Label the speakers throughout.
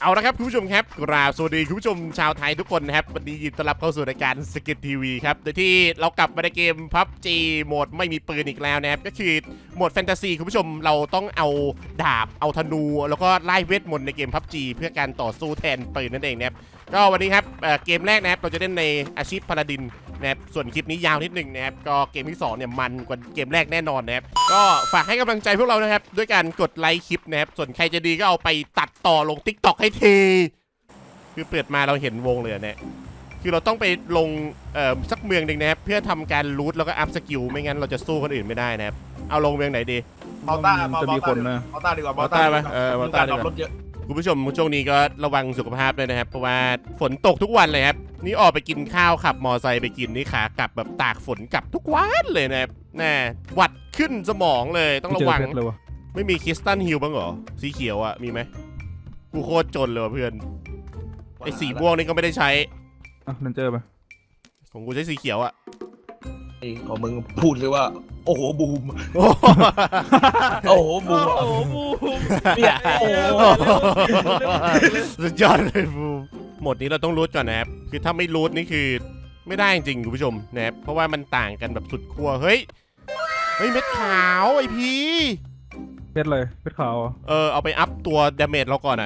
Speaker 1: เอาละครับคุณผู้ชมครับกราบสวัสดีคุณผู้ชมชาวไทยทุกคนนะครับวันนี้ยินดีต้อนรับเข้าสู่รายการสกิททีวีครับโดยที่เรากลับมาในเกม PUBG โหมดไม่มีปืนอีกแล้วนะครับก็คือโหมดแฟนตาซีคุณผู้ชมเราต้องเอาดาบเอาธนูแล้วก็ไล่เวทมนต์ในเกม PUBG เพื่อการต่อสู้แทนปืนนั่นเองนะครับก็วันนี้ครับเกมแรกนะครับเราจะเล่นในอาชีพพาลาดินนะครับส่วนคลิปนี้ยาวนิดหนึ่งนะครับก็เกมที่2เนี่ยมันกว่าเกมแรกแน่นอนนะครับก็ฝากให้กำลังใจพวกเรานะครับด้วยการกดไลค์คลิปนะครับส่วนใครจะดีก็เอาไปตัดต่อลง TikTok ให้ทีคือเปิดมาเราเห็นวงเลยเนี่ยคือเราต้องไปลงสักเมืองหนึ่งนะครับเพื่อทำการรูทแล้วก็อัพสกิลไม่งั้นเราจะสู้คนอื่นไม่ได้นะครับเอาลงเมืองไหนดี
Speaker 2: มอต้า
Speaker 3: จะมีคนนะ
Speaker 2: มอต้าดีกว่าม
Speaker 1: อ
Speaker 2: อ
Speaker 1: ต้า
Speaker 2: ต้า
Speaker 1: ไหมมอต้าดีก
Speaker 2: ร
Speaker 1: ว่า
Speaker 2: ถเยอะ
Speaker 1: คุณผู้ชมช่วงนี้ก็ระวังสุขภาพด้วยนะครับเพราะว่าฝนตกทุกวันเลยครับนี่ออกไปกินข้าวขับมอไซค์ไปกินนี่ขากลับแบบตากฝนกลับทุกวันเลยนะครับแน่หวัดขึ้นสมองเลยต้องระวัง
Speaker 3: เจอเพชรเลยวะ
Speaker 1: ไม่มีคริสตัลฮิลบ้างเหรอสีเขียวอะมีไหมกูโคตรจนเลยว่ะเพื่อนไอ้สีม่วงนี่ก็ไม่ได้ใช้
Speaker 3: อ่ะนั่นเจอปะ
Speaker 1: ของกูใช้สีเขียวอะ
Speaker 2: ไอ้ของมึงพูดเลยว่า โอ้โหบูม
Speaker 1: โอ้
Speaker 2: โอ้โหบูม
Speaker 4: โอ้โหบูม
Speaker 2: เนี่ยโอ้โห
Speaker 1: สุดยอดเลยบูมหมดนี้เราต้องรูทก่อนนะครับคือถ้าไม่รูทนี่คือไม่ได้จริงๆคุณผู้ชมนะครับเพราะว่ามันต่างกันแบบสุดขั้วเฮ้ยเม็ดขาวไอพี
Speaker 3: เพชรเลยเพชรขาวอ่ะ
Speaker 1: เอาไปอัพตัวดาเมจเราก่อนอะ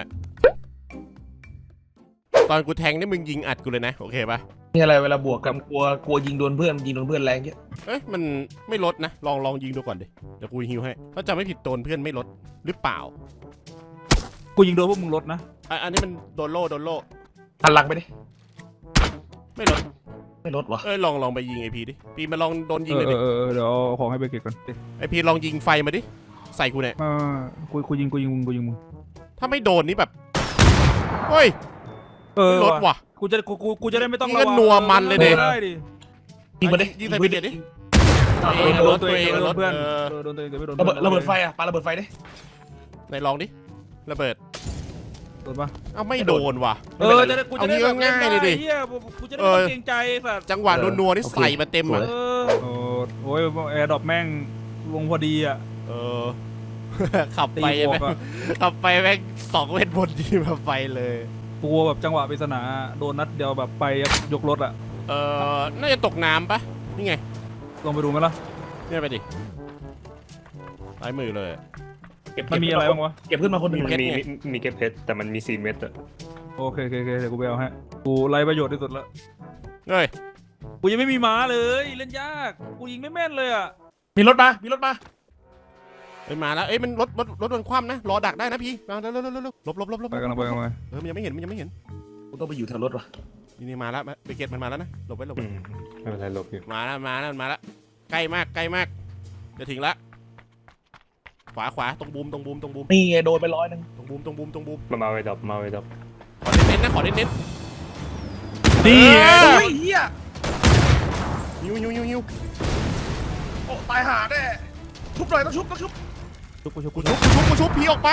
Speaker 1: ตอนกูแทงนี่มึงยิงอัดกูเลยนะโอเคปะ
Speaker 2: นี่อะไรเวลาบวกกับกลัวยิงโดนเพื่อนแรงเยอะ
Speaker 1: เอ้ยมันไม่ลดนะลองยิงดูก่อนดิเดี๋ยวกูฮิวให้ถ้าจำไม่ผิดโดนเพื่อนไม่ลดหรือเปล่า
Speaker 3: กูยิงโดนพวกมึงลดนะ
Speaker 1: อันนี้มันโดนโล่
Speaker 2: หันหลังไปดิ
Speaker 1: ไม่ลด
Speaker 2: ไม่ลดวะ
Speaker 1: ลองไปยิงไอพีดิพีมาลองโดนยิง
Speaker 3: เอ
Speaker 1: เลยดิ
Speaker 3: อเดี๋ยวเอาของให้ไปเก็บก่อน
Speaker 1: ไอพีลองยิงไฟมาดิใส่กูเนี่ย
Speaker 3: กูยิงมึง
Speaker 1: ถ้าไม่โดนนี่แบบเฮ้ย ไม่ลดว่ะ
Speaker 3: กูจะได้ไม่ต้อง
Speaker 1: นี่ก็นัวมันเลยดิ
Speaker 3: ได้ดิ
Speaker 2: ยิงมาดิ
Speaker 1: ยิงใส่พีเด็ดดิ
Speaker 3: โดนตัวเองโดนเพื่อนโดนตัวเองแต่ไม่โดน
Speaker 2: ระเบิดไฟอ่ะปาระเบิดไฟดิ
Speaker 1: ไหนลองดิระเบิด
Speaker 3: โดนปะ
Speaker 1: เอ้าไม่โดนว่ะ
Speaker 3: จะได้กูจะได้
Speaker 1: เอางี้ก็ง่ายเลยดิ
Speaker 3: เฮียกูจะได้ไม่ต้องเกรงใจสัตว์
Speaker 1: จังหวะนัวๆนี่ใส่มาเต็มอ่ะ
Speaker 3: โอ้ยแอร์ดรอปแม่งลงพอดีอ่ะ
Speaker 1: ขับ
Speaker 3: ตี
Speaker 1: ไป
Speaker 3: บว
Speaker 1: แม่
Speaker 3: ก
Speaker 1: ง
Speaker 3: อ่ะ
Speaker 1: ขับไปแม่ง2 เวทบนที่มาไปเลย
Speaker 3: กูแบบจังหวะปริศนาโดนนัดเดียวแบบไปยกรถอ่ะ
Speaker 1: น่าจะตกน้ำปะนี่ไง
Speaker 3: ลองไปดูไหมล่ะ
Speaker 1: เนี่ยไปดิซ้ายมือเลย
Speaker 3: มันมีอะไรบ้างวะ
Speaker 2: เก็บขึ้นมาคนหนึ่ง
Speaker 1: เพชรไง
Speaker 5: มีเก็บเพชรแต่มันมี4 เม็ดอะ
Speaker 3: โอเคเดี๋ยวกูไปเอาฮะกูไร้ประโยชน์ที่สุดแล้ว
Speaker 1: เฮ้ย
Speaker 3: กูยังไม่มีม้าเลยเล่นยากกูยิงไม่แม่นเลยอ่ะ
Speaker 2: มีรถมา
Speaker 1: มาแล้วมันรถมันคว่ำนะรอดักได้นะพี่มาเร็วหลบ
Speaker 3: ไปกันไป
Speaker 1: มันยังไม่เห็น
Speaker 2: กูต้องไปอยู่แถวรถวะ
Speaker 1: นี่มาแล้วไปเก็ตมันมาแล้วนะหลบไว้
Speaker 5: ไม่เป็นไรลบอยู่
Speaker 1: มาแล้วใกล้มากจะถึงละขวาตรงบูม
Speaker 2: นี่ไงโดนไป100
Speaker 1: ตรงบูม
Speaker 5: มาไว้ดับมาไว้ดับ
Speaker 1: ขอเน้น
Speaker 3: นี่ไง
Speaker 2: โอ้ยเฮีย
Speaker 1: ฮิว
Speaker 2: โอ้ตายหาแน่ชุบหน่อยต้องชุบ
Speaker 1: กูชุบพีออกไป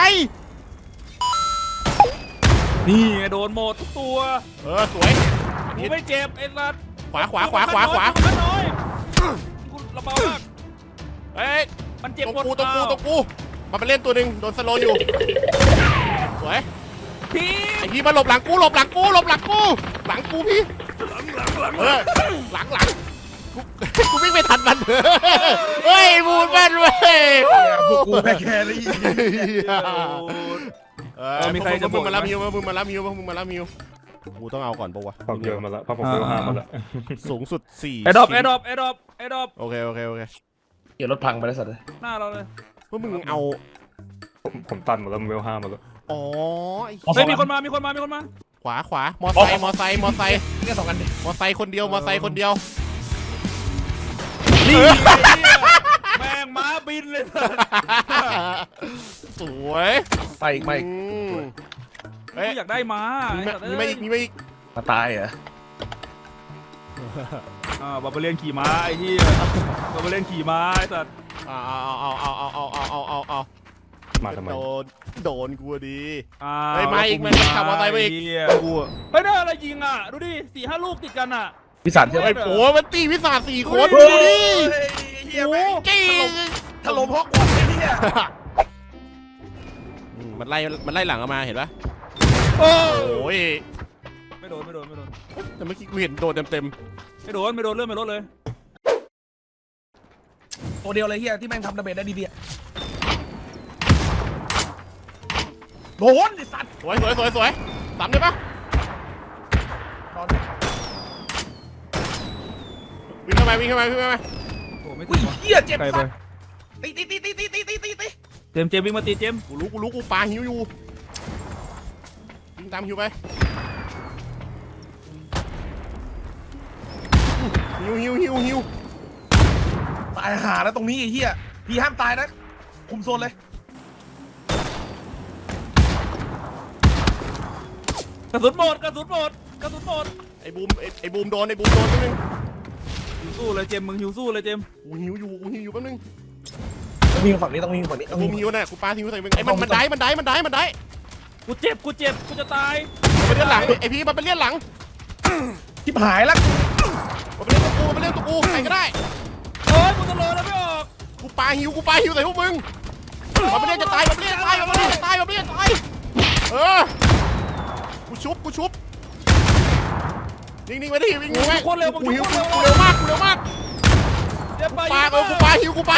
Speaker 3: นี่ไงโดนหมดทุกตัว
Speaker 1: สวย
Speaker 3: กูไม่เจ็บไอ้สัตว์
Speaker 1: ขวา
Speaker 3: มันน้อยกูระเบิดมาก
Speaker 1: เฮ้ย
Speaker 3: มันเจ็บ
Speaker 1: ตรง
Speaker 3: หมด
Speaker 1: กูมันไปเล่นตัวหนึ่งโดนสโลอยู่สวย
Speaker 3: พี่
Speaker 1: ไอพี่มาหลบหลังกูหลังกูพี่หลังกูวิ่งไม่ทันมันเฮ้ยบูนแม่นเว้ย
Speaker 2: พวกกูแพ้แค่เลย
Speaker 3: มีใครจะ
Speaker 1: มึงมารับฮิวกูต้องเอาก่อนปะวะ
Speaker 5: ความเยอะมาแล้วเพราะผมเวล5มาแล้ว
Speaker 1: สูงสุด4
Speaker 3: ไอ้ดรอป
Speaker 1: โอเค
Speaker 2: เดี๋ยวรถพังไปแล้วสัตว์เลย
Speaker 3: หน้าเราเลย
Speaker 1: พวกมึงเอา
Speaker 5: ผมตันหมดแล้วเวล5มาแล้ว
Speaker 1: อ๋อ
Speaker 3: เฮ้ยมีคนมา
Speaker 1: ขวามอไซค์
Speaker 2: นี่ก็2 อันดิ
Speaker 1: มอไซค์คนเดียว
Speaker 3: นี่แม่งม้าบินเลย
Speaker 1: สวย
Speaker 2: ไปอีก
Speaker 1: เฮ้ย
Speaker 3: อยากได้ม้า
Speaker 1: มีไม่อีก
Speaker 2: มาตายเหรอ
Speaker 3: บาร์เบเลียนขี่ม้าไอ้ที่บาร์เบเลียนขี่ม้าไอ้สัตว์
Speaker 1: เอา
Speaker 5: มาทำไม
Speaker 1: โดนกูดีเฮ้ยมาอีกมันขับมอเตอร์ไซค์มาอีกกู
Speaker 3: เฮ้ยได้อะไรยิงอ่ะดูดิ4-5 ลูกติดกันอ่ะ
Speaker 2: พิศาจใช่ไหม
Speaker 1: ไอ้โอ้มันตีวิสา4 คนดูดิ
Speaker 2: เฮียแม่ง
Speaker 1: จี้
Speaker 2: ถล่มฮอกวอตส์ไอ้เฮีย
Speaker 1: มันไล่หลังออกมาเห็นปะ
Speaker 3: โอ้
Speaker 1: โอ้ย
Speaker 3: ไม่โดน
Speaker 1: แต่เมื่อกี้กูเห็นโดนเต็ม
Speaker 3: ไม่โดนเลื่อนไม่ลดเลย
Speaker 2: ตัวเดียวเลยเฮียที่แม่งทำดาเมจได้ดีๆอะโดนไอ้สัตว์
Speaker 1: ๆสวยตามได้ปะ
Speaker 2: นอน
Speaker 1: วิ่งเข้ามา
Speaker 3: โอ้ไม่
Speaker 2: อุ้
Speaker 3: ถึ
Speaker 2: ย
Speaker 3: งวะ
Speaker 2: เฮียเจ็บ
Speaker 3: ไกลไป
Speaker 2: สัตว์ตี
Speaker 3: เจมส์วิ่งมาตีเจมส์
Speaker 1: กูรู้กูปาหิวอยู่วิ่งตามหิวไปหิว
Speaker 2: ตายหาแล้วตรงนี้ไอ้เฮียพี่ห้ามตายนะคุมโซนเลย
Speaker 3: กระสุนหมด
Speaker 1: ไอ้บูมโดนนิดนึง
Speaker 3: หิวสู้เลยเจมส์มึงหิวสู้เลยเจมส์
Speaker 1: กูหิวอยู่แป๊บนึง
Speaker 2: ต้องวิ่งฝั่งนี้ต้องวิ่งฝั่งนี้ต้อง
Speaker 1: บู
Speaker 2: วิ่
Speaker 1: ม
Speaker 2: ง
Speaker 1: หิวน่ะกูปาหิวใส่มึงไอ้มันได้
Speaker 3: กูเจ็บกูจะตาย
Speaker 1: มันเป็นเลือดหลังไอ้พี่มันเป็นเลือดหลัง
Speaker 2: ชิบหายแล้ว
Speaker 1: มันเป็นเลือดตัวกูใครก็ได้
Speaker 3: โอ้ยกูจะโดนแล้วไม่ออก
Speaker 1: กูปาหิวใส่พวกมึงมันเป็นเลือดจะตายเออกูชุบนิ่งไว้ดิวิ่งไว้กูเร็วมาก
Speaker 3: เจมส์ไป
Speaker 1: กูปาหิวใคร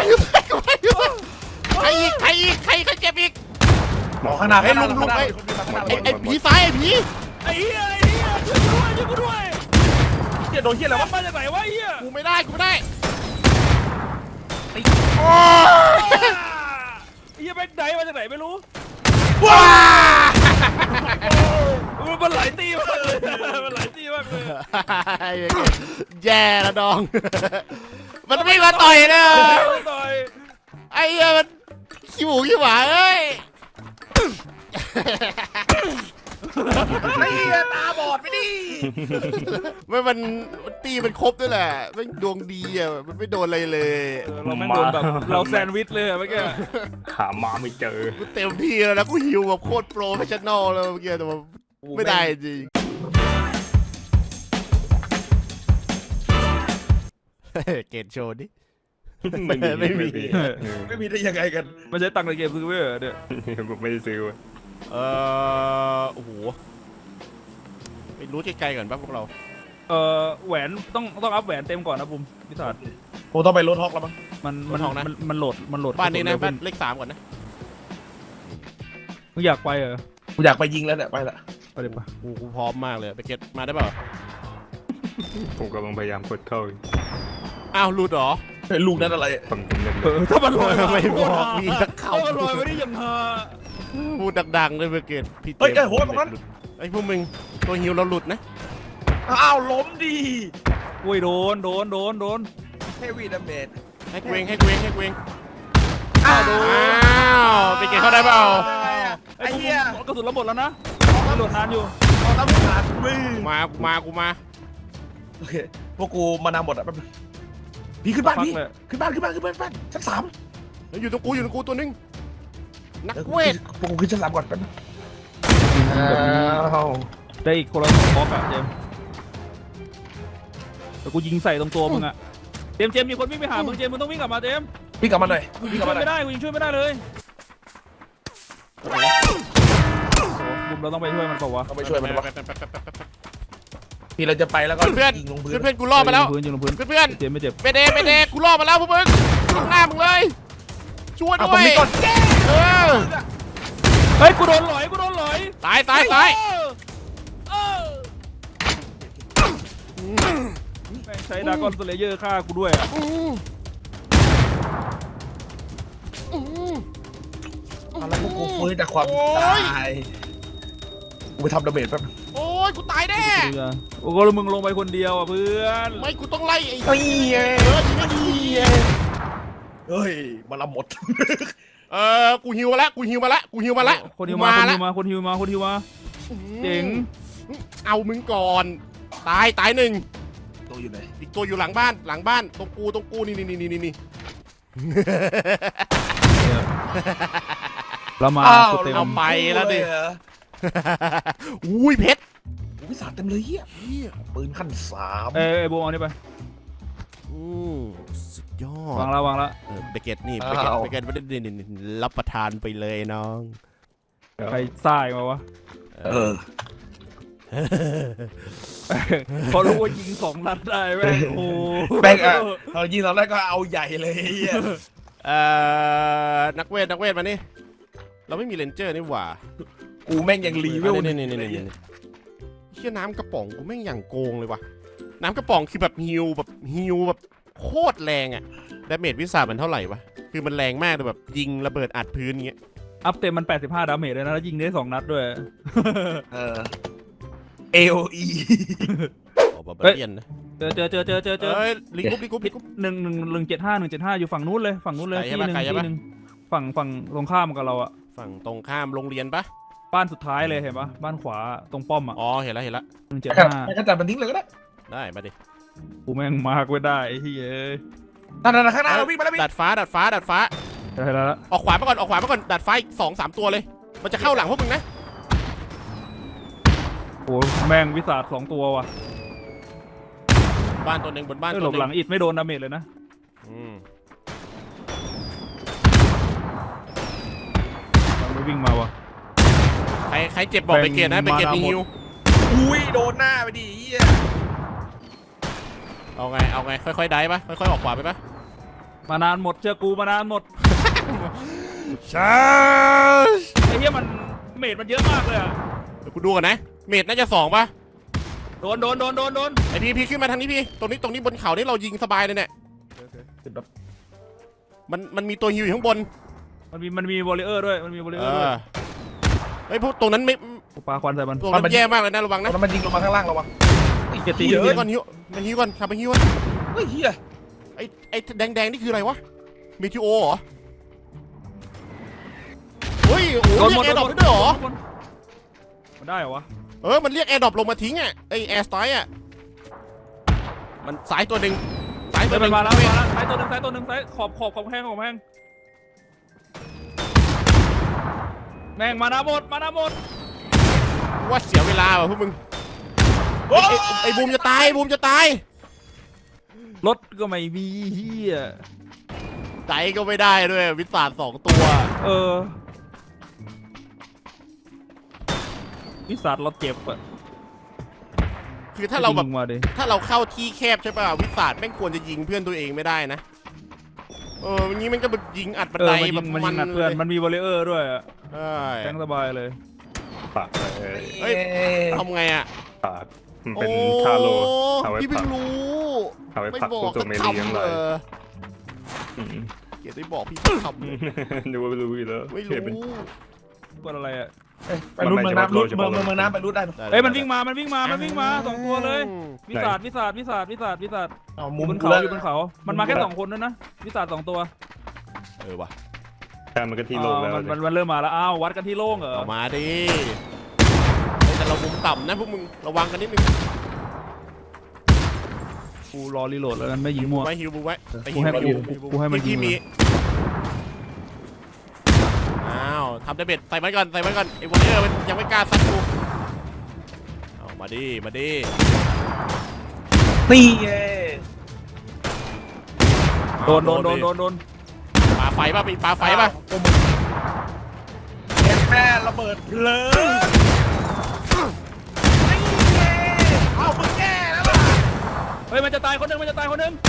Speaker 1: เจ็บอีก
Speaker 2: หมอข้างหน้า
Speaker 1: ไอ้ผีซ้ายไอ้ผี
Speaker 3: ไอ้เหี้ยช่วยกูด้วย
Speaker 2: เฮียโดนเฮียอะไรวะ
Speaker 3: มาจากไหนวะไอ้เหี้ย
Speaker 1: กูไม่ได้
Speaker 2: ตี
Speaker 1: โอ้
Speaker 3: ไอ้เหี้ยแม่งไหนมาจากไหนไม่รู้
Speaker 1: ว้า
Speaker 3: มันหลายตีมากเลย
Speaker 1: แย่ละดอง มันไม่มาต่อยนะ
Speaker 3: ต่อย
Speaker 1: ไอ้เหี้ยมันขี้หมาเอ้ย
Speaker 2: ไอ้เฮียตาบอดไปดิ
Speaker 1: มันตีมันครบด้วยแหละมันดวงดีอ่ะมันไม่โดนอะไรเลย
Speaker 3: เราแม่งโดนแบบเราแซนด์วิชเลยเมื่อกี้
Speaker 5: หามาไม่เจอ
Speaker 1: กูเต็มที่แล้วนะกูหิวแบบโคตรโปรเฟชชั่นอลเลยเมื่อกี้แต่ว่าไม่ได้จริงเกตโชว์ดิ ไม่มี
Speaker 2: ไม่มีได้ยังไงกัน
Speaker 3: มันใช้ตังค์ในเกมซื้อไว้เหรอเนี่ย
Speaker 5: ผมไม่ได้ซื้อเว้ย
Speaker 1: โอ้โหไปรู้ไกลๆก่อนป่ะพวกเรา
Speaker 3: แหวนต้องอัพแหวนเต็มก่อนนะบุมพิศาจ
Speaker 2: ผมต้องไปรถฮอกแล้วมั้ง
Speaker 3: มันโหลด
Speaker 1: บ้านนี้นะบ้านเลข 3ก่อนนะ
Speaker 3: มึงอยากไปเหรอ
Speaker 2: กูอยากไปยิงแล้วเนี่ยไปละ
Speaker 3: ไปเลยปะ
Speaker 1: กูพร้อมมากเลยไปเก็ตมาได้เปล่า
Speaker 5: ผมกำลังพยายามกดเข้าอยู่
Speaker 1: อ้าวหลุดเหรอ
Speaker 2: ไอ้ลูกนั้นอะไร
Speaker 5: ผมเล่น
Speaker 3: ถ้ามันลอย
Speaker 1: ไม่บอกมีสักคำ
Speaker 3: ถ้ามันลอยไม่ได้ยังฮา
Speaker 1: พูดดังๆเลยไปเก็ตพี่
Speaker 2: เฮ้ยไอ้โหตรงนั้น
Speaker 1: ไอ้พวกมึงตัวฮิวเราหลุดนะ
Speaker 2: อ้าวล้มดี
Speaker 3: อุ้ยโดน
Speaker 2: เฮฟวี่ดาเมจ
Speaker 1: ให้เกวง
Speaker 2: อ้าว
Speaker 1: อ้าวไปเก็ตเข้าได้เปล่า
Speaker 2: ไอ้เหี้ย
Speaker 3: กระสุนเราหมดแล้วนะโหลดนานอยู่
Speaker 2: เอาน้ำขาดมือ
Speaker 1: กูมา
Speaker 2: โอเคพวกกูมานำหมดอ่ะแป๊บนึงพี่ขึ้นบ้านพี่ขึ้นบ้านชั้น 3
Speaker 1: แล้วอยู่ตรงกูตัวนึงนักเวท
Speaker 2: พวกกูขึ้นชั้น 3ก่อนแป๊บนึง
Speaker 3: ได้อีกคนละ2บล็อกอะเจมส์แต่กูยิงใส่ตรงตัวมึงอะเจมส์มีคนวิ่งไปหามึงเจมส์มึงต้องวิ่งกลับมาเจมส์
Speaker 2: พี่กลับมาหน่อย
Speaker 3: กูยิ
Speaker 2: พี่
Speaker 3: ง
Speaker 2: กลับ
Speaker 3: ช่ว
Speaker 2: มาย หน่อย
Speaker 3: ไม่ได้กูยิงช่วยไม่ได้เลยบุมเราต้องไปช่วยมันเปล่าวะ
Speaker 2: ต้องไปช่วยมันวะพี่เราจะไปแล้วก็
Speaker 1: เพื่อน
Speaker 2: ยิงลงพื้น
Speaker 1: เพื่อนกูรอดมาแล้ว
Speaker 3: ยิงลงพื้น
Speaker 1: เพื่อน
Speaker 3: เจมส์ไม่เจ็บ
Speaker 1: เปเดกูรอดมาแล้วพวกมึงข้างหน้ามึงเลยช่วย
Speaker 2: เอา
Speaker 1: ด้
Speaker 2: ตร
Speaker 1: ว
Speaker 2: ง
Speaker 1: ย
Speaker 2: นี้ก่อน
Speaker 1: เออ
Speaker 3: เฮ้ยกูโดนหลอย
Speaker 1: ตาย
Speaker 3: เออแม่งใช้ดากอนสเลเยอร์ฆ่ากูด้วยอะ
Speaker 2: เอาแล้วพวกกูฟื้นจากความตายกูไปทำดาเมจแป๊บนึง
Speaker 1: โอ้ยกูตายแน่
Speaker 3: โอ้โหแล้วมึงลงไปคนเดียวอ่ะเพื่อน
Speaker 1: ไม่กูต้องไล่ไอ้
Speaker 2: เฮ้ยเฮ้ยมันเอาหมด
Speaker 1: กูฮิวมาแล้ว
Speaker 3: คนฮิวมาคนฮิวมาเจ๋ง
Speaker 1: เอามึงก่อนตายหนึ่ง
Speaker 2: ตัวอยู่ไหน
Speaker 1: อีกตัวอยู่หลังบ้านตรงกูนี่
Speaker 3: เรามาสุดเต็ม
Speaker 1: เอาไปแล้วดิ อุ้ยเพชร
Speaker 2: วิสาเต็มเลยเฮียปืนขั้น 3
Speaker 3: เอ้ยโบเอานี่ไป
Speaker 1: สุดยอด
Speaker 3: วางละ
Speaker 1: เบเกตนี่เบเกตไม่ได้รับประทานไปเลยน้อง
Speaker 3: ใครซ่ายมาวะ
Speaker 2: เออ
Speaker 3: พอรู้ว่ายิง2 นัดได้แม่งโอ้
Speaker 2: แม่งอะเรายิงตอนแรกก็เอาใหญ่เลยไอ้เหี้ย
Speaker 1: นักเวทมานี่เราไม่มีเรนเจอร์นี่หว่า
Speaker 2: กูแม่งยังรีเวล
Speaker 1: นี่เชี่ยน้ำกระป๋องกูแม่งอย่างโกงเลยว่ะน้ำกระป๋องคือแบบฮิวแบบโคตรแรงอะดาเมจวิสามันเท่าไหร่วะคือมันแรงมากเลยแบบยิงระเบิดอัดพื้นเงี้ย
Speaker 3: อัพเต็มมัน85 ดาเมจเลยนะแล้วยิงได้2 นัดด้วย
Speaker 2: เออ AOE
Speaker 1: โอ้บาบาเลียนนะ
Speaker 3: เจอ
Speaker 1: เอ้ยลิงกุ๊บ
Speaker 3: 175อยู่ฝั่งนู้นเลย
Speaker 1: ไกลใช่
Speaker 3: ที่
Speaker 1: ปะ
Speaker 3: หนึ่ง
Speaker 1: ไกลใช่
Speaker 3: ที่
Speaker 1: ปะ
Speaker 3: หนึ่งฝั่งตรงข้ามกับเราอะ
Speaker 1: ฝั่งตรงข้ามโรงเรียนปะ
Speaker 3: บ้านสุดท้ายเลยเห็นปะบ้านขวาตรงป้อมอะ
Speaker 1: อ๋อเห็นแล้ว
Speaker 2: ให้กระจัดมันทิ้งเลยก็ได้
Speaker 1: ได้มาดิ
Speaker 3: กูแม่งมากไว้ได้ไอ้เฮ้ย
Speaker 2: นั่นข้างหน้าเราวิ่งมาแล้วพี่
Speaker 1: ดัดฟ้า
Speaker 3: ได้แล้ว
Speaker 1: ออกขวามาก่อนดัดฟ้าอีก2-3 ตัวเลย มันจะเข้าหลังพวกมึงนะ
Speaker 3: โอ้แม่งวิสาด2 ตัวว่ะ
Speaker 1: บ้านตัวหนึ่งบนบ้าน
Speaker 3: ห
Speaker 1: ตั
Speaker 3: ล
Speaker 1: ว
Speaker 3: บ
Speaker 1: หนึ่
Speaker 3: หลั
Speaker 1: ง
Speaker 3: งอิดไม่โดนดาเมจเลยนะ
Speaker 1: อืม
Speaker 3: มันไม่วิ่งมาว่ะ
Speaker 1: ใครเจ็บบอกไปเกียรตินะไปเกียรติมีฮิว
Speaker 2: อุ้ยโดนหน้าไปดิไอ้เหี้ย
Speaker 1: เอาไงค่อยๆได้ปะค่อยๆออกขวาไปปะ
Speaker 3: มานานหมดเชื่อกูมานานหมด
Speaker 1: ใช่
Speaker 3: ไอ้เหี้ยมันเมจมันเยอะมากเลยอะ
Speaker 1: เดี๋ยวกูดูก่อนนะเมดน่าจะ2ปะ
Speaker 3: โดน
Speaker 1: ไอพี่ขึ้นมาทางนี้พี่ตรงนี้บนเขานี่เรายิงสบายเลยเนี่ยมันมีตัวฮิวอยู่ข้างบน
Speaker 3: มันมีวอลเลเยอร์ด้วยมันมีวอลเลเยอร์ด้วย
Speaker 1: ไอยพวกตรงนั้นไม่
Speaker 3: กูปาควันใส่มัน
Speaker 1: ตรงนั้นแย่มากเลยนะระวังนะ
Speaker 2: แล้วมันยิงลงมาข้างล่างเราวะ
Speaker 3: เกียรติ
Speaker 2: เหี้ย
Speaker 1: ฮิวก่อนฮิวก่อนขับไปฮิวก่อน
Speaker 2: เฮ้ยเหี้ย
Speaker 1: ไอ้แดงนี่คืออะไรวะมิทิโอเหรอเฮ้ยโอ้เรียกแอร์ดรอปได้ด้วยเหรอ
Speaker 3: มันได้เหรอวะ
Speaker 1: มันเรียกแอร์ดรอปลงมาทิ้งอ่ะไอแอร์สไตล์อ่ะมันสายตัวหนึ่งสายตัวหนึ่ง
Speaker 3: มาแล้วซ้ายตัวหนึ่งซ้ายขอบแห้งแม่งมานาหมด
Speaker 1: ว่าเสียเวลาว่ะพวกมึงไอ้บูมจะตาย
Speaker 3: รถก็ไม่มีเฮีย
Speaker 1: ใจก็ไม่ได้ด้วยวิสาด2 ตัว
Speaker 3: วิสาดเราเจ็บอะ
Speaker 1: คือถ้าเราแบบ
Speaker 3: ยิงมาดิ
Speaker 1: ถ้าเราเข้าที่แคบใช่ป่ะวิสาดแม่งควรจะยิงเพื่อนตัวเองไม่ได้นะอย่างนี้มันก็แบบยิงอัดบันไดแบบ
Speaker 3: มัน
Speaker 1: มั
Speaker 3: ยิ
Speaker 1: น
Speaker 3: งอัดเพื่อนมันมีวอลเลเยอร์ด้วยอะ
Speaker 1: ใช่
Speaker 3: แทงสบายเลย
Speaker 5: ปาก
Speaker 1: เฮ้ยทำไงอ่ะ
Speaker 5: ปากมันเป็นทาโลเอาไว้
Speaker 1: พี่
Speaker 5: ปั
Speaker 1: เพิ่
Speaker 5: ก
Speaker 1: งรู้
Speaker 5: เอาไว้
Speaker 1: ไม่
Speaker 5: ปัก
Speaker 1: บอ
Speaker 5: พว
Speaker 1: ก
Speaker 5: กตัว
Speaker 1: สัก
Speaker 5: เมลีทั้ง
Speaker 1: คำ
Speaker 5: หลาย
Speaker 1: เกียรติได้บอกพี่สักคำเลย
Speaker 5: ดูว่ารู้อยู่แล้ว
Speaker 1: ไม่
Speaker 5: เห็นเป็น
Speaker 1: รู้
Speaker 3: กดอะไรอะ
Speaker 2: ไปรูดเมืองน้ำรูดเมืองน้ำไปรูดได้ปะ
Speaker 3: เฮ้ยมันวิ่งมา2 ตัวเลยวิสาด
Speaker 2: เอา
Speaker 3: อ
Speaker 2: มุ
Speaker 3: ยู่
Speaker 2: ม
Speaker 3: บนเขาอยู่บนเขามันมาแค่2 คนด้วยนะวิสาด2 ตัว
Speaker 1: ว่ะ
Speaker 5: แค่มันก็ที่โลกแล้ว
Speaker 3: มันเริ่มมาแล้วอ้าววัดกันที่โล่งเหรอ
Speaker 1: เอามาดิแต่เรามุมต่ำนะพวกมึงระวังกันนิดนึง
Speaker 3: กูรอรีโหลดแล้วกันไม่ยิงมั่ว
Speaker 1: ไว้ฮิวไว้
Speaker 3: กูให้มันยิ
Speaker 1: ที่
Speaker 3: ง
Speaker 1: มีอ้าวทำได้เบ็ดใส่ไว้ก่อนไอ้วอลเลอร์มันยังไม่กล้าซัดกูเอามาดิ
Speaker 2: นี่ไง
Speaker 3: โดน
Speaker 1: ปาไฟป่ะมีปาไฟป่ะ
Speaker 2: แม่ระเบิดเพลิงนี่ไงเอามึงแก้แล้วล่ะ
Speaker 3: เฮ้ยมันจะตายคนหนึ่ง
Speaker 1: กิน
Speaker 3: ตาย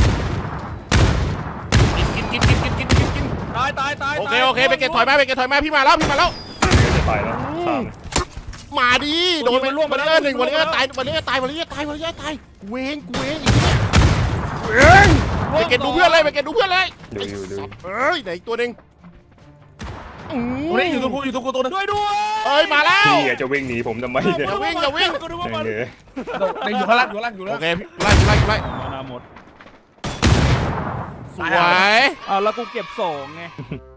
Speaker 1: โอเคไปเก็บถอยมาพี่มาแล้ว
Speaker 5: จะไปแล้วตาม
Speaker 1: มาดิโดนไปล่วงมาแล้ว1วอลเลอร์ตายเว้งอีกไปเก็บดูเพื่อนเลย
Speaker 5: ดู
Speaker 1: เฮ้ยไหนอีกตัวหนึ่ง
Speaker 2: กูนี่อยู่ตรงกูตัวนึง
Speaker 3: ด้วย
Speaker 1: เอ้ยมาแล้ว
Speaker 5: พี่จะวิ่งหนีผมทำไมเนี่ย
Speaker 1: อย่าวิ่ง
Speaker 3: กูนึกว่ามัน
Speaker 5: เนี่ย
Speaker 2: อยู่ข้างล่างอยู่
Speaker 1: โอ
Speaker 2: แล้ว
Speaker 1: เคไล่
Speaker 3: มานาหมด
Speaker 1: สวย
Speaker 3: อ้าวแล้วกูเก็บ2ไง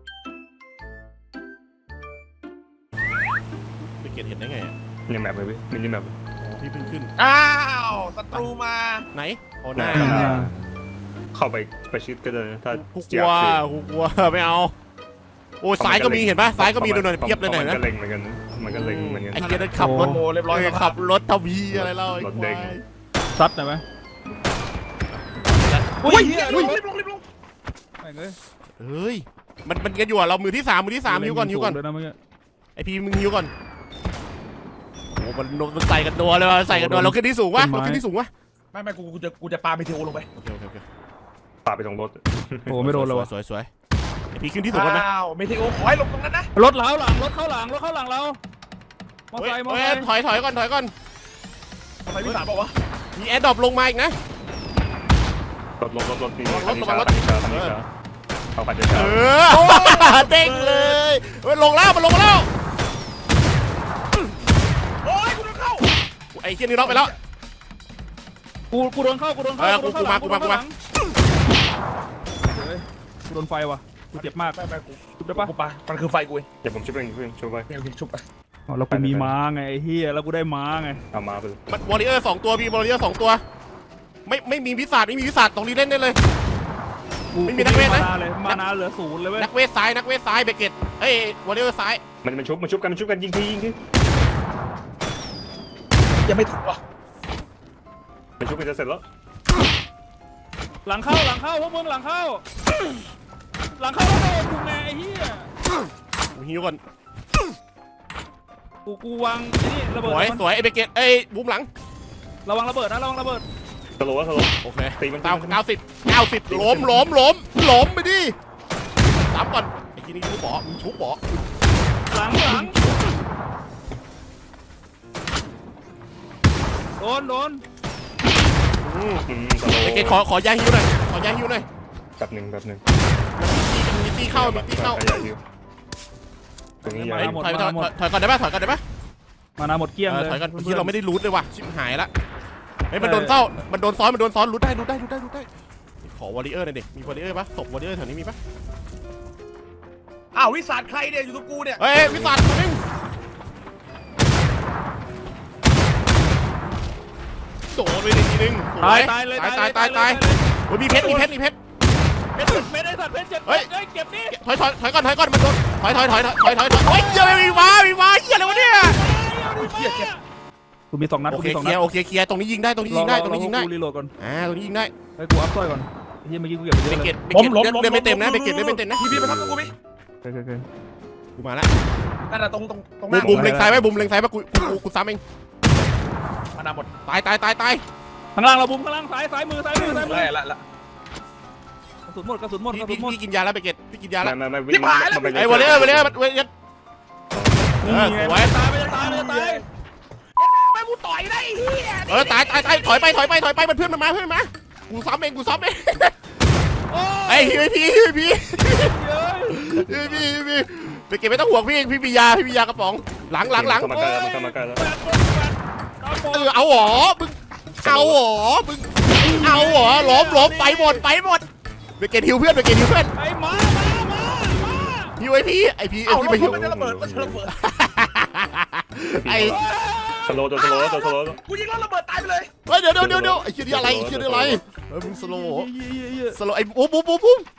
Speaker 1: ไปเก็บเห็นได้ไง
Speaker 5: ยังแมปเลยพี่มินิแมป
Speaker 1: พี่เพิ่งขึ้น
Speaker 2: อ้าวศัตรูมา
Speaker 1: ไหนโอ้
Speaker 5: หน้า
Speaker 1: หน้า
Speaker 5: เข้าไปประชิดก็ได้ถ้า
Speaker 1: กูกลัวไม่เอาโอ้ซ้ายก็มีเห็นปะซ้ายก็มีดูหน่อยเพียบเลยหน่อย
Speaker 5: มัน
Speaker 1: นะ
Speaker 5: ก็เล็งเหมือนกันมันก็เล็งเหมือนกัน
Speaker 1: ไอ้เกียร์ขับรถ
Speaker 2: โอ้เรียบร้อย
Speaker 1: ขับรถทวีอะไรเล่าไอ้
Speaker 5: รถ
Speaker 1: ควา
Speaker 5: เด้ง
Speaker 1: ย
Speaker 3: ซัดหน่อยไหม
Speaker 2: อุ้ยรีบลง
Speaker 3: แม่งเอ้ย
Speaker 1: เฮ้ยมันกันอยู่อ่ะเรามือที่ 3ฮิวก่อน
Speaker 3: เลยนะเมื่อกี้
Speaker 1: ไอพีมึงฮิวก่อนโอ้มันใส่กันตัวเลยว่ะใส่กันตัวเราขึ้นที่สูงวะเราขึ้นที่สูงวะ
Speaker 2: ไม่กูจะปาเมเทโอลงไป
Speaker 1: โอเค
Speaker 5: ปาไปตรงรถ
Speaker 3: โอ้ไม่โดนเลยว่ะ
Speaker 1: สวยไอพี่ขึ้นที่สูงกันนะ
Speaker 2: อ้าวเมเทโอขอให้ลงตรงนั้นนะ
Speaker 3: รถเล้าหลังรถเข้าหลังเรามอไซค์
Speaker 1: ถอยก่อน
Speaker 2: ทำไมพี่สามบอกวะ
Speaker 1: มีแอร์ดรอปลงมาอีกนะ
Speaker 5: รถนี่
Speaker 1: รถ
Speaker 5: คันนี้ช้าเอาคันช้า
Speaker 1: เด้งเลยมันลงแล้วมันลงมาแล้ว
Speaker 2: โอ้ยกูโดนเข้า
Speaker 1: ไอ้เคียนี่ล็อกไปแล้ว
Speaker 3: กูโดนเข้า
Speaker 1: กูมา
Speaker 3: กูโดนไฟว่ะกูเจ็บมาก
Speaker 2: ไม่กู
Speaker 3: ชุบได้ปะ
Speaker 2: กูปามันคือไฟกูเอง
Speaker 5: เดี๋ยวผมช่วยเองช่วยไป
Speaker 2: โอเคชุบไป
Speaker 3: เรากูมีม้าไงไอ้เฮียแล้วกูได้ม้าไง
Speaker 5: เอามาไปเลย
Speaker 1: มันวอริเออร์2ตัวพี่วอริเออร์2ตัวไม่มีวิสัทตรงนี้เล่นได้เลย ไม่มีนักเวทนะ
Speaker 3: มานาเหลือ0เลยเว้ย
Speaker 1: นักเวทซ้ายเบเกตเอ้ยวอริเออร์ซ้าย
Speaker 5: มันชุบกันยิงที
Speaker 2: ยังไม่ถึงวะ
Speaker 5: มันชุบกันจะเสร็จแล้ว
Speaker 3: หลังเข้าพวกมึงหลังเข้าแล้วโดนกูไงไอ้เฮีย
Speaker 1: กูฮิวก่อน
Speaker 3: กูวางไอ้นี่ระเบิด
Speaker 1: สวยไอ้เบเกตบูมหลัง
Speaker 3: ระวังระเบิดนะระวังระเบิด
Speaker 5: สโลว์
Speaker 1: โอเค
Speaker 5: ตีมัน
Speaker 1: 90ล้มไปดิสามก่อนไอ้ทีนี้ชุบบ่
Speaker 3: หลังโดน
Speaker 5: สโลว์
Speaker 1: เบเกตขอยาฮิวหน่อย
Speaker 5: แบบหนึ่ง
Speaker 1: มีตีเข้า
Speaker 5: ตรงนี้
Speaker 1: ถ
Speaker 5: ยา
Speaker 1: อยก่อนได้ปะ
Speaker 3: มานาหมดเกลี้ยงเลย
Speaker 1: ถอยก่อนที่เราไม่ได้รูทเลยว่ะชิบหายละมันโดนซ้อนรูทได้ขอวอริเออร์หน่อยดิมีวอริเออร์ปะศพวอริเออร์แถวนี้มีปะ
Speaker 2: อ้าววิสาดใครเนี่ยอยู่ตรงกูเนี่ย
Speaker 1: วิสัทตัวนึงโดนไปทีนึง
Speaker 3: ตายเลย
Speaker 1: โอ้ยมีเพชร
Speaker 3: เม็ดไอ้สัตว์เพชรเจ็บเก็บนี่
Speaker 1: ถอยก่อนมันโดนถอยเฮ้ยเหี้ยมีมาเหี้ยอะไรวะเนี่ย
Speaker 3: กูมี2 นัด
Speaker 1: โอเคเคลียร์ตรงนี้ยิงได้
Speaker 3: กูรีโหลดก่อน
Speaker 1: ตรงนี้ยิงได้
Speaker 3: ให้กูอัพสร้อยก่อนเฮียเมื่อกี้กูเก็บไปเย
Speaker 1: เบ
Speaker 3: อะ
Speaker 1: เก
Speaker 3: เลย
Speaker 1: ตเดินไม่เต็มนะเบเกตเดินไม่เต็มนะ
Speaker 2: พี่มาทำกับกูพี่
Speaker 3: โอเค
Speaker 1: กูมาละ
Speaker 2: นั่นแหละตรงหน้า
Speaker 1: บุมเล็งซ้ายไว้กูซ้ำเอง
Speaker 2: มานาหมด
Speaker 1: ตาย
Speaker 3: ข้างล่างเราบุ้มข้างล่างซ้ายมือ
Speaker 2: ละ
Speaker 3: กระสุนหมด
Speaker 1: พี่กินยาแล้วเบเกตพี่กินยาแล้ว
Speaker 5: ไม่วิ่งมันไป
Speaker 1: ไอ้วอลเลอร์สวย
Speaker 3: ตาย
Speaker 2: ไม่กูต่อยได้เฮีย
Speaker 1: ตายถอยไปมันเพื่อนมันมากูซ้ำเองไอ้พี่เบเกตไม่ต้องห่วงพี่มียากระป๋องหลัง
Speaker 5: มาใกล้แล้ว
Speaker 1: เอาหรอมึงล้มไปหมดเบเกตฮิวเพื่อน
Speaker 3: ไอ้มา
Speaker 1: ฮิวไอพี่
Speaker 2: เอา
Speaker 1: ไปฮิว
Speaker 2: มันจะระเบิด
Speaker 1: ไอ้
Speaker 5: สโลว์
Speaker 2: กูยิงแล้วระเบิดตายไปเลย
Speaker 1: เดี๋ยวไอ้ชื่ออะไรมึงสโลไอ้บูม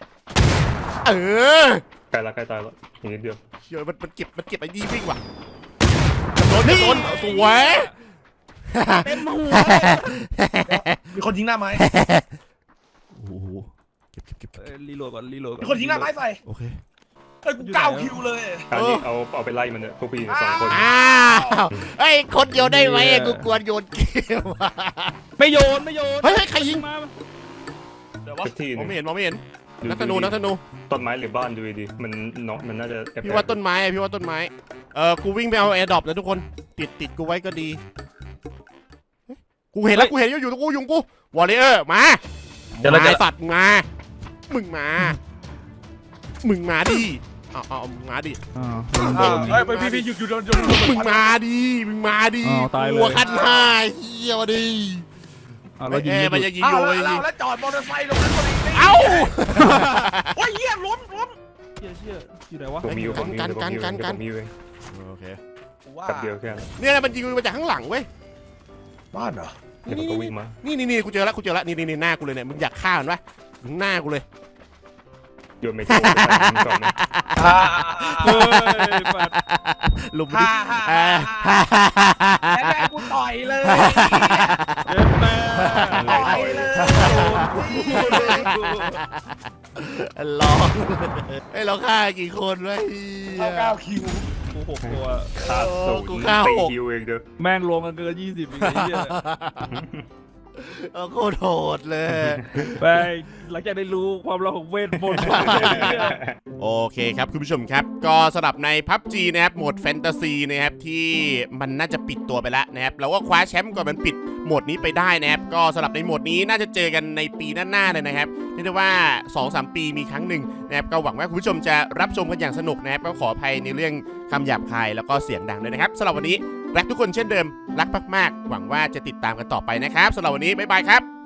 Speaker 5: ใกล้ตายแล้วอีกนิดเดียว
Speaker 1: เชื่อมันเก็บไอ้ดีวิ่งว่ะโดนสวย
Speaker 3: เต็มหัว
Speaker 2: มีคนยิงหน้าไม้
Speaker 1: โอ้โหเก็บ
Speaker 3: รีโหลดก่อน
Speaker 2: มีคนยิงหน้าไม้ใส่
Speaker 1: โอเค
Speaker 2: เฮ้ยกู9 คิวเลย
Speaker 5: อันนี้เอาไปไล่มันเนี่ยพวกพี่2 คน
Speaker 1: ไอ้คนโยนได้ไหมกูกวนโยนเกม
Speaker 3: ไม่โยน
Speaker 1: เฮ้ยใครยิง
Speaker 3: มา
Speaker 2: เดี๋ยววะ
Speaker 5: ทุกที่
Speaker 1: มองไม่เห็นนักธนู
Speaker 5: ต้นไม้หรือบ้านดูดีมันน่าจะ
Speaker 1: พี่ว่าต้นไม้กูวิ่งไปเอาแอร์ดรอปแล้วทุกคนติดกูไว้ก็ดีกูเห็นอยู่ตรงกูยุงกูวอลเลอร์มาสัตว์มึงมาดิเอามาดิ
Speaker 2: เฮ้ยพี่หยุดโดน
Speaker 1: มึงมาดิหัวขั้น5เฮียวดิมันจะยิงอยู่
Speaker 2: แล้วจอดมอเตอร์ไซค์ตรงนั้นพอดี
Speaker 1: เอ้า
Speaker 2: โอ้ยเหี้ยล้ม
Speaker 3: เชี่ยอยู่ไหนวะ
Speaker 5: ผมมีอยู่ผมมีเอง
Speaker 1: โอเค
Speaker 5: กับเดียวแค่
Speaker 1: เนี่ยมันยิงมาจากข้างหลังเว้ย
Speaker 2: บ้านเหรอ
Speaker 5: เดี๋ยวมันก็วิ่งมา
Speaker 1: นี่กูเจอแล้วนี่หน้ากูเลยเนี่ยมึงอยากฆ่ามันปะหน้ากูเลย
Speaker 5: โยนไม่ถูกก่อนนะ
Speaker 3: เฮ้ยปัด
Speaker 1: ลุมดิ
Speaker 2: แล้วแม่กูต่อยเลย
Speaker 3: เจ็บแม่
Speaker 2: ต่อยเลย
Speaker 1: ร้องไอ้เราฆ่ากี่คนวะ
Speaker 2: 9 คิว
Speaker 3: ผม 6 ตัว
Speaker 5: ค่าศูนย์
Speaker 1: กูฆ่า
Speaker 5: ตี
Speaker 1: 6
Speaker 5: ฮิวเองเด้อ
Speaker 3: แม่งลงกันเกิน20อีกไอ้เหี้ย
Speaker 1: โคตรโหดเลย
Speaker 3: ไปหลังจากได้รู้ความลับของเวทมนต์
Speaker 1: โอเคครับคุณผู้ชมครับ ก็สำหรับใน PUBG นะครับโหมดแฟนตาซีนะครับที่มันน่าจะปิดตัวไปแล้วนะครับเราก็คว้าแชมป์ก่อนมันปิดโหมดนี้ไปได้นะครับก็สำหรับในโหมดนี้น่าจะเจอกันในปีหน้าๆเลยนะครับเรียกได้ว่า 2-3 ปีมีครั้งหนึ่งนะครับก็หวังว่าคุณผู้ชมจะรับชมกันอย่างสนุกนะครับก็ขออภัยในเรื่องคำหยาบคายแล้วก็เสียงดังด้วยนะครับสำหรับวันนี้รักทุกคนเช่นเดิมรักมากๆหวังว่าจะติดตามกันต่อไปนะครับสำหรับวันนี้บ๊ายบายครับ